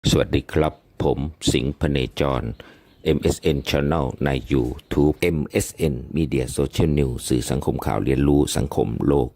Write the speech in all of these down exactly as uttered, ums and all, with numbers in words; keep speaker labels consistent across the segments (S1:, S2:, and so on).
S1: สวัสดีครับผมสิงห์พเนจร เอ็ม เอส เอ็น Channel ใน YouTube เอ็ม เอส เอ็น Media Social News สื่อสังคมข่าวเรียนรู้สังคมโลก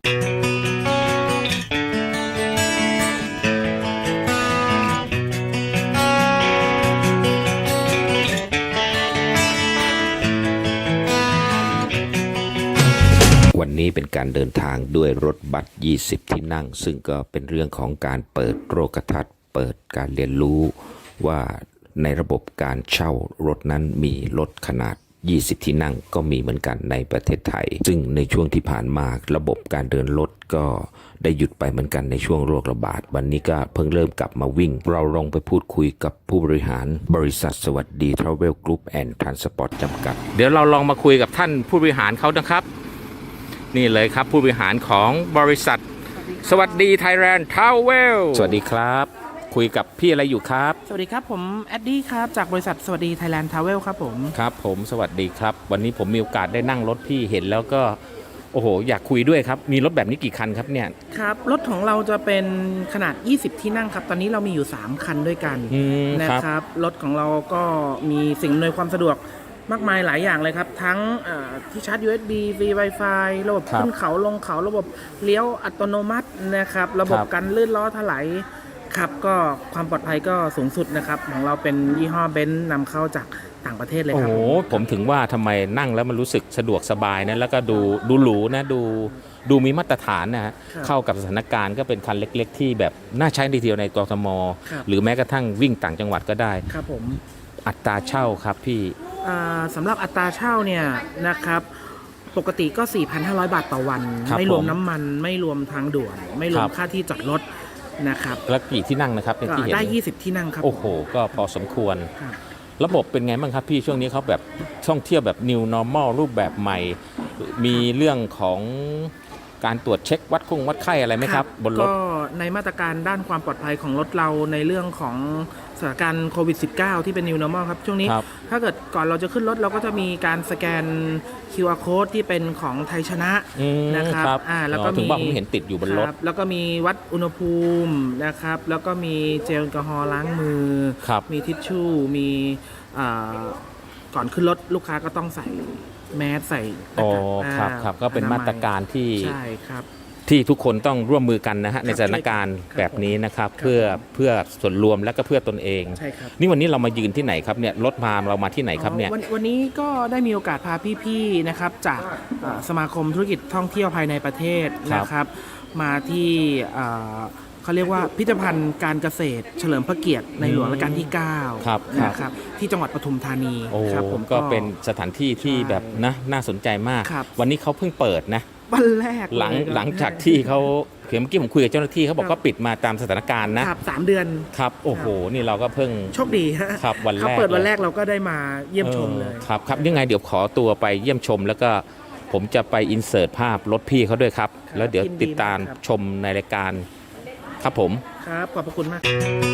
S1: วันนี้เป็นการเดินทางด้วยรถบัสยี่สิบที่นั่งซึ่งก็เป็นเรื่องของการเปิดโลกทัศน์เปิดการเรียนรู้ว่าในระบบการเช่ารถนั้นมีรถขนาดยี่สิบที่นั่งก็มีเหมือนกันในประเทศไทยซึ่งในช่วงที่ผ่านมาระบบการเดินรถก็ได้หยุดไปเหมือนกันในช่วงโรคระบาดวันนี้ก็เพิ่งเริ่มกลับมาวิ่งเราลองไปพูดคุยกับผู้บริหารบริษัทสวัสดี Travel Group and Transport จำกัดเดี๋ยวเราลองมาคุยกับท่านผู้บริหารเขานะครับนี่เลยครับผู้บริหารของบริษัทสวัสดีไทยแลนด์ทาวเวลสวัสดีครับคุยกับพี่อะไรอยู่ครับ
S2: สวัสดีครับผมแอดดี้ครับจากบริษัทสวัสดีไทยแลนด์ทาวเวลครับผม
S1: ครับผมสวัสดีครับวันนี้ผมมีโอกาสได้นั่งรถพี่เห็นแล้วก็โอ้โหอยากคุยด้วยครับมีรถแบบนี้กี่คันครับเนี่ย
S2: ครับรถของเราจะเป็นขนาดยี่สิบที่นั่งครับตอนนี้เรามีอยู่สามคันด้วยกันนะครับรถของเราก็มีสิ่งอำนวยความสะดวกมากมายหลายอย่างเลยครับทั้งที่ชาร์จ ยู เอส บี ฟรี Wi-Fi ระบบขึ้นเขาลงเขาระบบเลี้ยวอัตโนมัตินะครับระบบกันลื่นล้อถลายครับก็ความปลอดภัยก็สูงสุดนะครับของเราเป็นยี่ห้อเบนซ์นำเข้าจากต่างประเทศเลยครับ
S1: โอ้โหผมถึงว่าทำไมนั่งแล้วมันรู้สึกสะดวกสบายนะแล้วก็ดูดูหรูนะดูดูมีมาตรฐานนะฮะเข้ากับสถานการณ์ก็เป็นคันเล็กๆที่แบบน่าใช้ดีเทียวในกทมหรือแม้กระทั่งวิ่งต่างจังหวัดก็ได้
S2: ครับผม
S1: อัตราเช่าครับพี่
S2: สำหรับอัตราเช่าเนี่ยนะครับปกติก็ สี่พันห้าร้อย บาทต่อวันไม่รวมน้ำมันไม่รวมทางด่วนไม่รวมค่าที่จอดรถนะครับ
S1: แล้วกี่ที่นั่งนะครับ
S2: ที่เห็นได้ยี่สิบที่นั่งครับ
S1: โอ้โหก็พอสมควรระบบเป็นไงบ้างครับพี่ช่วงนี้เขาแบบท่องเที่ยวแบบ New Normal รูปแบบใหม่มีเรื่องของการตรวจเช็ควัดคงวัดไข้อะไรไหมครับบนรถ
S2: ก็ในมาตรการด้านความปลอดภัยของรถเราในเรื่องของสถานการณ์โควิด สิบเก้า ที่เป็น New Normal ครับช่วงนี้ถ้าเกิดก่อนเราจะขึ้นรถเราก็จะมีการสแกน คิว อาร์ Code ที่เป็นของไทยชนะนะครับ
S1: อ่าแล้วก็มีถึงว่าผมเห็นติดอยู่บนรถ
S2: แล้วก็มีวัดอุณหภูมินะครับแล้วก็มีเจลแอลกอฮอล์ล้างมือมีทิชชู่มีก่อนขึ้นรถลูกค้าก็ต้องใส่แมสใส่
S1: อ๋อครับครับก็เป็นมาตรการที่
S2: ใช่ครับ
S1: ที่ทุกคนต้องร่วมมือกันนะฮะในสถานการณ์แบบนี้นะครับเพื่อเพื่อส่วนรวมและก็เพื่อตนเอง
S2: ใช่ครับ
S1: นี่วันนี้เรามายืนที่ไหนครับเนี่ยรถพาเรามาที่ไหนครับเนี่ย
S2: วันนี้ก็ได้มีโอกาสพาพี่ๆนะครับจากสมาคมธุรกิจท่องเที่ยวภายในประเทศนะครับมาที่เขาเรียกว่าพิพิธภัณฑ์การเกษตรเฉลิมพระเกียรติในหลวงรัชกาลที่เก้านะครับที่จังหวัดปทุมธานี
S1: ครับผมก็เป็นสถานที่ที่แบบนะน่าสนใจมากวันนี้เขาเพิ่งเปิดนะ
S2: วันแรก
S1: หลังหลังจากที่เขาเมื่อกี้ผมคุยกับเจ้าหน้าที่เขาบอกก็ปิดมาตามสถานการณ์นะครับ
S2: สามเดือน
S1: ครับโอ้โหนี่เราก็เพิ่ง
S2: โชคดี
S1: ครับวันแรกเขา
S2: เปิดวันแรกเราก็ได้มาเยี่ยมชมเลย
S1: ครับครับยังไงเดี๋ยวขอตัวไปเยี่ยมชมแล้วก็ผมจะไปอินเสิร์ตภาพรถพี่เขาด้วยครับแล้วเดี๋ยวติดตามชมในรายการครับผม
S2: ครับขอบพระคุณมาก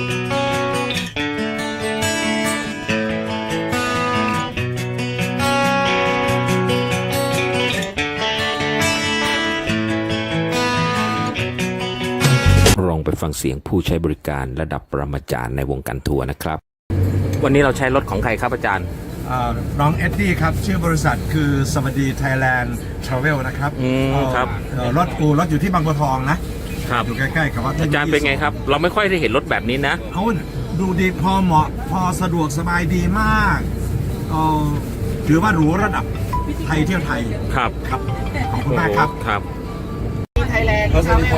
S1: ลองไปฟังเสียงผู้ใช้บริการระดับปรมาจารย์ในวงการทัวร์นะครับวันนี้เราใช้รถของใครครับอาจารย์
S3: น้องเอ็ดดี้ครับชื่อบริษัทคือสวัสดีไทยแลนด์ทราเวลนะครับ
S1: ครับ
S3: รถกูรถอยู่ที่บางบัวทองนะครับอยู่ใกล้ๆกับวัด
S1: อาจารย์เป็นไงครับเราไม่ค่อยได้เห็นรถแบบนี้นะ
S3: เขาดูดีพอเหมาะพอสะดวกสบายดีมากถือว่าหรูระดับไทยเที่ยวไทย
S1: ครับ
S3: ครับขอบคุณมากครับ
S1: ครับ
S2: ไทยแลนด์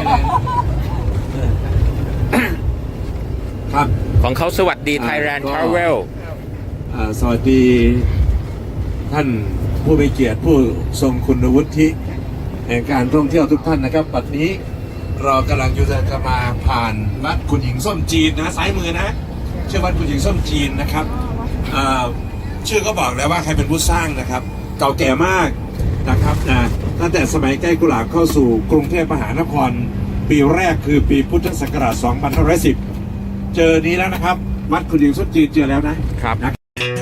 S3: ครับ
S1: ของเขาสวัสดีไทยแลนด์ทราเวล
S3: สวัสดีท่านผู้มีเกียรติผู้ทรงคุณวุฒิแห่งการท่องเที่ยวทุกท่านนะครับปัจจุบันนี้เรากำลังอยู่จะมาผ่านวัดคุณหญิงส้มจีนนะซ้ายมือนะชื่อวัดคุณหญิงส้มจีนนะครับชื่อก็บอกแล้วว่าใครเป็นผู้สร้างนะครับเก่าแก่มากนะครับนะตั้งแต่สมัยใกล้กุหลาบเข้าสู่กรุงเทพมหานครปีแรกคือปีพุทธศักราชสองพันห้าร้อยสิบเจอนี้แล้วนะครับวัดคุณหญิงส้มจีนเจอแล้วนะครับนะ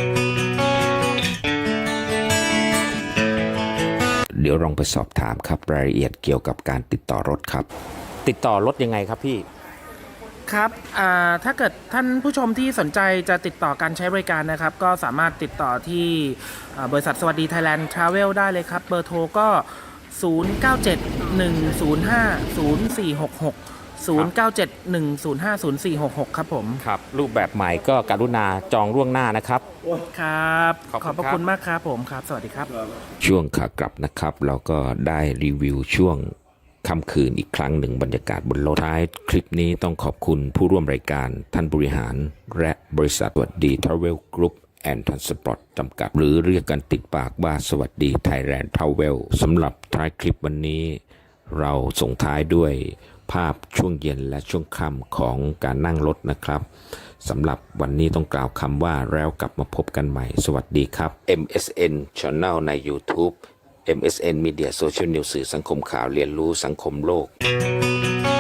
S1: เดี๋ยวลองไปสอบถามครับรายละเอียดเกี่ยวกับการติดต่อรถครับติดต่อรถยังไงครับพี่
S2: ครับอ่าถ้าเกิดท่านผู้ชมที่สนใจจะติดต่อการใช้บริการนะครับ ก็สามารถติดต่อที่อ่าบริษัทสวัสดีไทยแลนด์ทราเวลได้เลยครับ เบอร์โทรก็ ศูนย์ เก้า เจ็ด หนึ่ง ศูนย์ ห้า ศูนย์ สี่ หก หก ศูนย์ เก้า เจ็ด หนึ่ง ศูนย์ ห้า ศูนย์ สี่ หก หก ครับผม
S1: ครับรูปแบบใหม่ก็กรุณาจองล่วงหน้านะครับ
S2: ครับ
S1: ขอบคุณ
S2: ขอบพระ
S1: ครับ
S2: คุณมากครับผมครับ สวัสดีครับ
S1: ช่วงขากลับนะครับเราก็ได้รีวิวช่วงค่ำคืนอีกครั้งหนึ่งบรรยากาศบนรถท้ายคลิปนี้ต้องขอบคุณผู้ร่วมรายการท่านบริหารและบริษัทสวัสดีทราเวลกรุ๊ปแอนด์ทรานสปอร์ตจำกัด หรือเรียกกันติดปากว่าสวัสดีไทยแลนด์ทราเวลสำหรับท้ายคลิปวันนี้ เราส่งท้ายด้วยภาพช่วงเย็นและช่วงค่ำของการนั่งรถนะครับสำหรับวันนี้ต้องกล่าวคำว่าแล้วกลับมาพบกันใหม่สวัสดีครับ เอ็ม เอส เอ็น Channel ใน YouTube เอ็ม เอส เอ็น Media Social News สื่อสังคมข่าวเรียนรู้สังคมโลก